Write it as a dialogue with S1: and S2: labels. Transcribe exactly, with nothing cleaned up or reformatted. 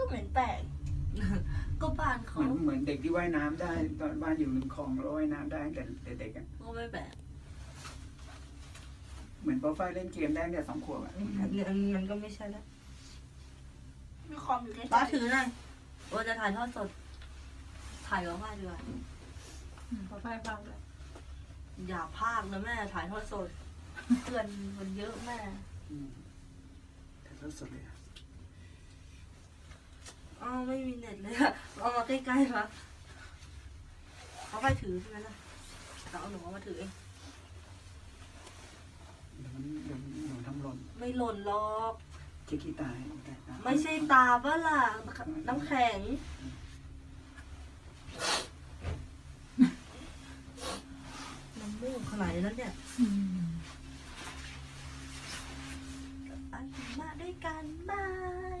S1: ก็เหม็นแปลกก็บ้าน
S2: เห
S1: เขา
S2: มือนเหมือนเด็กที่ว่ายน้ำได้ ตอนบ้านอยู่ริมคลองแล้วว่ายน้ำได้แต่แต่เด็กอ่ะ
S1: ก็ไม่แปลก
S2: เหมือนโปรไฟล์เล่นเกมได้แต่สองขวบอ่ะ
S3: อันนี้มันก็ไม่ใช่แล้ว
S1: มีความอยู่ใกล้
S3: ป้าถือหน่อยว่าจะถ่ายทอดสด ถ่ายกับพ่อดีกว่า
S4: พอไฟฟังเลย
S3: อย่าพลาดนะแม่ถ่ายทอดสดเพื่อนมันเยอะแม่
S2: อืมถ่ายทอดสดเลยอะ
S3: อ้าวไม่มีเน็ตเลยอะเอามาใกล้ๆมาเอาไปถือใช่ไหมล่ะแต่เอาหนูเอามาถือเอง
S2: เดี๋ยวมันเดี๋ยวหนูทำหล่น
S3: ไม่หล่นหรอก
S2: เช็คขี้ตายแต่ตา
S3: ไม่ใช่ตาบ้าล่ะน้ำแข็งน้ำมูกขนาดนั้นเนี่ย
S4: อืม
S3: ไปมาด้วยกันบาย